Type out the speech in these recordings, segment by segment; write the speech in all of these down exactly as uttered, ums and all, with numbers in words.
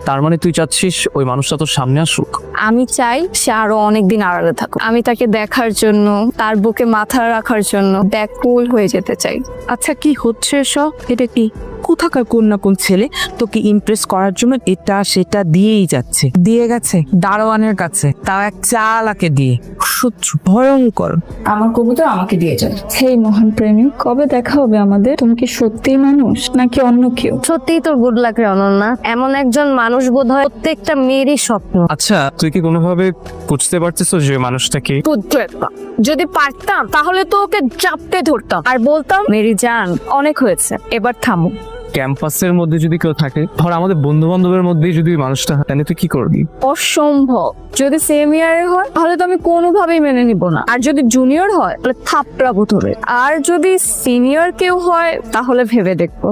তার মানে তুই চাচ্ছিস ওই মানুষটা তোর সামনে আসুক? আমি চাই সে আরো অনেকদিন আড়ালে থাকুক। আমি তাকে দেখার জন্য, তার বুকে মাথা রাখার জন্য ব্যাকুল হয়ে যেতে চাই। আচ্ছা, কি হচ্ছে এসব? এটা কি কোথাকার কোন না কোন ছেলে তোকে ইমপ্রেস করার জন্য এটা সেটা দিয়েই যাচ্ছে, দিয়ে গেছে দারোয়ানের কাছে, তাও এক চালাকে দিয়ে। সহ্য ভয়ঙ্কর। আমার কবুতর আমাকে দিয়ে যায়। হেই মহান প্রেমিক, কবে দেখা হবে আমাদের? তুমি কি সত্যিই মানুষ নাকি অন্য কেউ? সত্যিই তোর গুড লাক রে অনন্যা। এমন একজন মানুষ বোধ হয় প্রত্যেকটা মেয়েরই স্বপ্ন। আচ্ছা, তুই কি কোনোভাবে বুঝতে পারছিস যে মানুষটাকে? পুত্র একটা। যদি পারতাম তাহলে তো ওকে চাপতে ধরতাম আর বলতাম, মেরি জান অনেক হয়েছে, এবার থামো। ক্যাম্পাসের মধ্যে যদি কেউ থাকে, ধর আমাদের বন্ধু বান্ধবের মধ্যেই যদি মানুষটা হয়, তাহলে তুই কি করবি? অসম্ভব। যদি সেম ইয়ারে হয় তাহলে তো আমি কোনোভাবেই মেনে নিব না। আর যদি জুনিয়র হয় তাহলে থাপড়াবো ধরে। আর যদি সিনিয়র কেউ হয় তাহলে ভেবে দেখবো।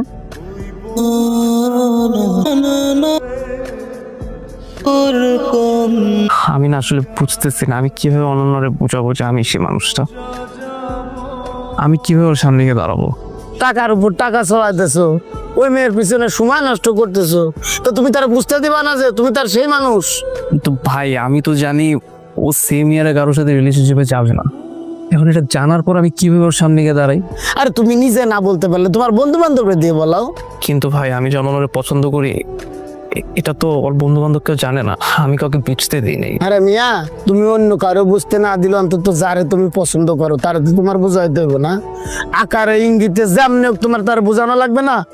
আমি না আসলে বুঝতেছি না আমি কিভাবে অনন্যরে বোঝাবো যে আমি সে মানুষটা। আমি কিভাবে ওর সামনে গিয়ে দাঁড়াবো? টাকার উপর টাকা চলাইতেছো, ওই মেয়ের পিছনে সময় নষ্ট করতেছো, তো তুমি তার বুঝতে দিবা না যে তুমি তার সেই মানুষ? তো ভাই, আমি তো জানি ও সেম ইয়ারে কারোর সাথে রিলেশনশিপে যাবে না। এখন এটা জানার পর আমি কিভাবে ওর সামনে গিয়ে দাঁড়াই? আরে তুমি নিজে না বলতে পারলে তোমার বন্ধু বান্ধবরে দিয়ে বলাও। কিন্তু ভাই, আমি যেমন ওরে পছন্দ করি, এ- এটা তো ওর বন্ধু বান্ধব কেউ জানে না। আমি কাউকে বুঝতে দিই নাই। আরে মিয়া, তুমি অন্য কারো বুঝতে না দিলে অন্তত যারে তুমি পছন্দ করো তার তো তোমার বোঝাইতে হবে না? আকারে ইঙ্গিতে যেমনি হোক তোমার তার বোঝানো লাগবে না?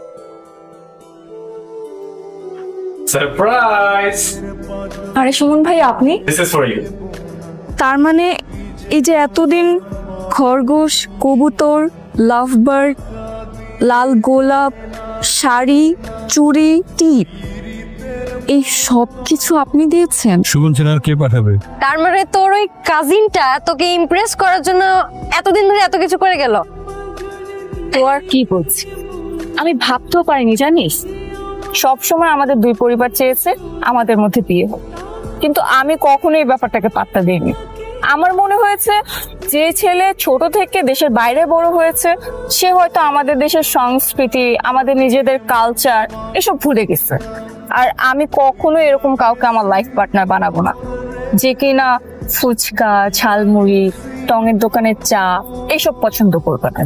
সারপ্রাইজ! আরে সুমন ভাই, আপনি? This is for you. তার মানে এই যে এতদিন খরগোশ, কবুতর, লাভবার্ড, লাল গোলাপ, শাড়ি, চুড়ি, টিপ, এই সব কিছু আপনি দিয়েছেন? সুমন চেনার কে পাঠাবে? তার মানে তোর ওই কাজিনটা তোকে ইমপ্রেস করার জন্য এতদিন ধরে এত কিছু করে গেল? তো আর কি বলছি, আমি ভাবতেও পারিনি জানিস। সব সময় আমাদের দুই পরিবার চেয়েছে আমাদের মধ্যে বিয়ে হোক, কিন্তু আমি কখনো এই ব্যাপারটাকে পাত্তা দিইনি। আমার মনে হয়েছে যে ছেলে ছোট থেকে দেশের বাইরে বড় হয়েছে সে হয়তো আমাদের দেশের সংস্কৃতি, আমাদের নিজেদের কালচার এসব ভুলে গেছে। আর আমি কখনো এরকম কাউকে আমার লাইফ পার্টনার বানাবো না যে কিনা ফুচকা, ঝালমুড়ি, টঙের দোকানের চা এইসব পছন্দ করবে না।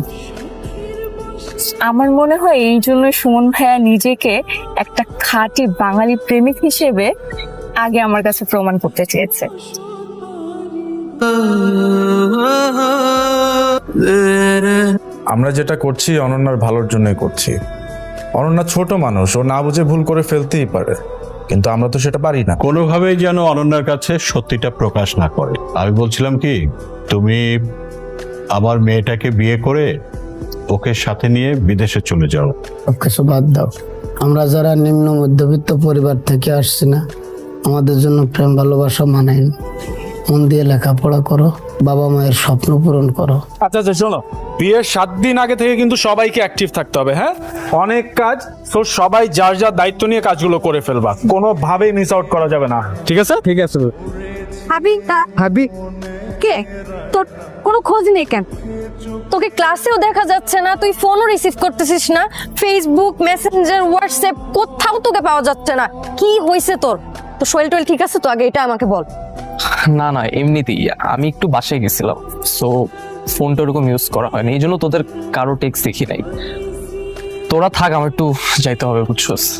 আমার মনে হয় এই জন্য সুমন ভাইয়া নিজেকে একটা খাঁটি বাঙালি প্রেমিক হিসেবে আগে আমার কাছে প্রমাণ করতে চেয়েছে। আমরা যেটা করছি অনন্যার ভালোর জন্যই করছি। অনন্যা ছোট মানুষ, ও না বুঝে ভুল করে ফেলতেই পারে, কিন্তু আমরা তো সেটা পারি না। কোনোভাবেই যেন অনন্যার কাছে সত্যিটা প্রকাশ না করে। আমি বলছিলাম কি, তুমি আমার মেয়েটাকে বিয়ে করে ওকে সাথে নিয়ে বিদেশে চলে যাও। কিছু বাদ দাও, আমরা যারা নিম্ন মধ্যবিত্ত পরিবার থেকে আসছি না, আমাদের জন্য প্রেম ভালোবাসা মানায় না। মন দিয়ে লেখাপড়া করো, বাবা মায়ের স্বপ্ন পূরণ করো। আচ্ছা আচ্ছা শোনো, বিয়ের সাত দিন আগে থেকে কিন্তু সবাইকে অ্যাক্টিভ থাকতে হবে। হ্যাঁ, অনেক কাজ, তো সবাই যার যার দায়িত্ব নিয়ে কাজগুলো করে ফেলবা, কোনোভাবেই মিস আউট করা যাবে না, ঠিক আছে? ঠিক আছে ভাবি তা ভাবি। কে? তোর কোনো খোঁজ নেই কেন? তোকে ক্লাসেও দেখা যাচ্ছে না, তুই ফোনও রিসিভ করতেছিস না, ফেসবুক, মেসেঞ্জার, হোয়াটসঅ্যাপ কোথাও তোকে পাওয়া যাচ্ছে না। কি হয়েছে তোর? তো শরীর টরীর ঠিক আছে তো? আগে এটা আমাকে বল। না না, এমনিতেই আমি একটু বাসায় গেছিলাম, সো ফোনটা ওরকম ইউজ করা হয়নি, এই জন্য তোদের কারো টেক্সট দেখি নাই। তোরা থাক, আমার একটু যাইতে হবে, বুঝছস?